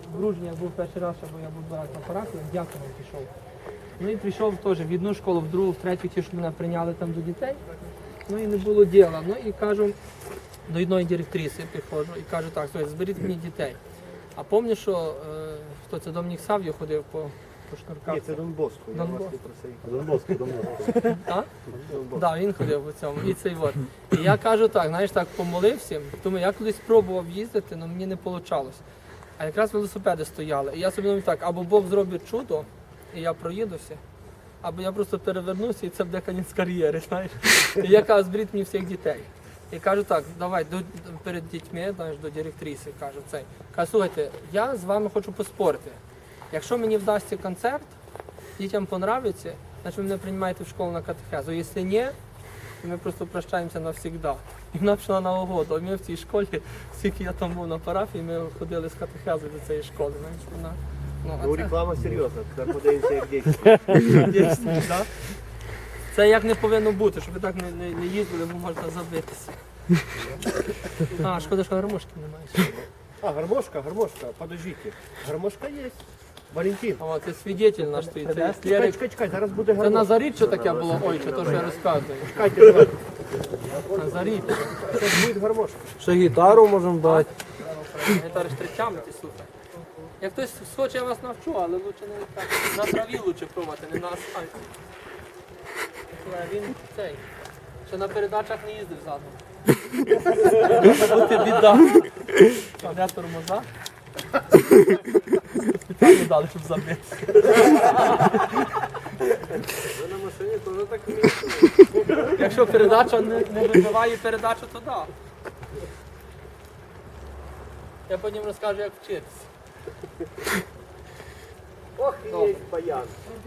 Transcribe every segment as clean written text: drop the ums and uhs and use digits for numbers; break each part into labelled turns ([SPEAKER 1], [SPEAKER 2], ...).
[SPEAKER 1] в Ружні я був перший раз, бо я був 2 рази на парафії, дякую пішов. Ну і прийшов теж в одну школу, в другу, в третю, ті, що мене прийняли там до дітей. Ну і не було діла. Ну і кажу, до одної директриси приходжу і кажу, так, слухайте, зберіть мені дітей. А пам'ятаю, що хто це, Домінік Сав'ю ходив по шнурках?
[SPEAKER 2] Ні, це Дон Боско. Я
[SPEAKER 1] Дон
[SPEAKER 2] вас
[SPEAKER 1] Боско.
[SPEAKER 2] не просив.
[SPEAKER 3] Дон Боско.
[SPEAKER 1] Так?
[SPEAKER 2] Дон Боско.
[SPEAKER 1] Так, він ходив по цьому. І цей от. І я кажу так, знаєш, так помолився, думаю, я колись спробував їздити, але мені не вийшло. А якраз велосипеди стояли. І я собі думаю так, або Бог зробить чудо, і я проїдуся, або я просто перевернуся, і це буде кінець кар'єри, знаєш. І я кажу, зберіть мені всіх дітей. І кажу так, давай перед дітьми, знаєш, до директриси, кажу цей. Кажу, слухайте, я з вами хочу поспорити. Якщо мені вдасться концерт, дітям понравиться, значить ви мене приймаєте в школу на катехезу. Якщо ні, то ми просто прощаємося навсігда. І вона пішла на угоду. А ми в цій школі, скільки я там був на парафії, ми ходили з катехези до цієї школи. Знаєш, вона,
[SPEAKER 2] Ну, реклама серйозна, тепер подивимося, як дійсно.
[SPEAKER 1] дійсно, да? Це як не повинно бути, щоб ви так не їздили, бо можна забитися. А, шкода, що гармошки немає.
[SPEAKER 2] А, гармошка, подождите. Гармошка є. Валентин.
[SPEAKER 1] О, це свідетель наш стоїть. Це Лерик.
[SPEAKER 2] Чекай, зараз буде
[SPEAKER 1] Це
[SPEAKER 2] гармошка.
[SPEAKER 1] на Зарі що таке було? Ой, що то, що я розказую.
[SPEAKER 2] Чекайте, давай.
[SPEAKER 1] На Зарі.
[SPEAKER 2] Це буде гармошка.
[SPEAKER 3] Ще гітару можемо дати.
[SPEAKER 1] Гітари штричами, ти слухай. Як хтось схоче, я вас навчу, але лучше не так. На траві лучше пробувати, не на асфальті. Слухай, він цей. Ще на передачах не їздив задом. Бути біда. А де тормоза? Спеціально дали, щоб забити.
[SPEAKER 2] Ви на машині теж так вмієте.
[SPEAKER 1] Якщо передача не вибиває передачу, то да. Я потім розкажу, як вчитися.
[SPEAKER 2] Ох, є баян.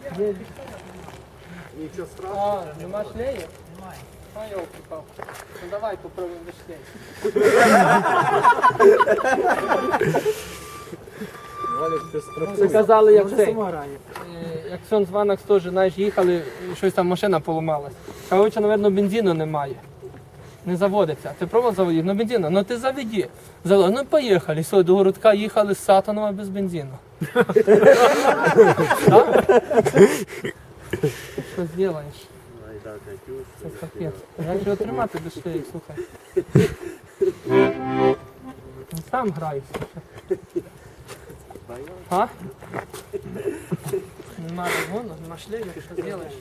[SPEAKER 2] Нічого страшного.
[SPEAKER 1] А, нема шлею? Немає. А, йолки пал. Ну давай попробуємо без шлею.
[SPEAKER 2] Валік, ти страшний.
[SPEAKER 1] Це казали, як цей. Як сон з Ванакс теж, знаєш, їхали, і щось там машина поламалась. Коротше, мабуть, бензину немає. Не заводиться. Ти пробував заводити? Ну бензину, ну ти заведи. Ну поїхали. Все, до городка їхали з Сатанова без бензину. Так? Що зробиш? Це капець. Як же отримати без шлеї, слухай. Ну, сам грай, слухай. А? Нема розгону, нема шлею, ти що зробиш?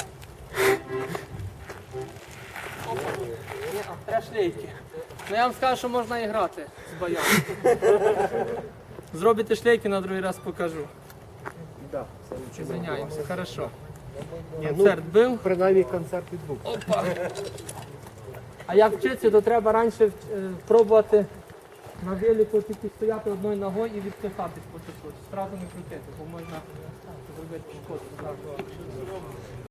[SPEAKER 1] Опа. Ні, треба шлейки. Ну я вам скажу, що можна і грати з баяном. Зробите шлейки, на другий раз покажу.
[SPEAKER 2] Да, це лучше.
[SPEAKER 1] Извиняємося, хорошо.
[SPEAKER 2] Ні,
[SPEAKER 1] Концерт був.
[SPEAKER 2] принаймні концерт відбув.
[SPEAKER 1] Опа. А як вчитися, то треба раніше пробувати на велику тільки стояти одною ногою і відпихатись по чуть-чуть. Зразу не крутити, бо можна зробити шкоду.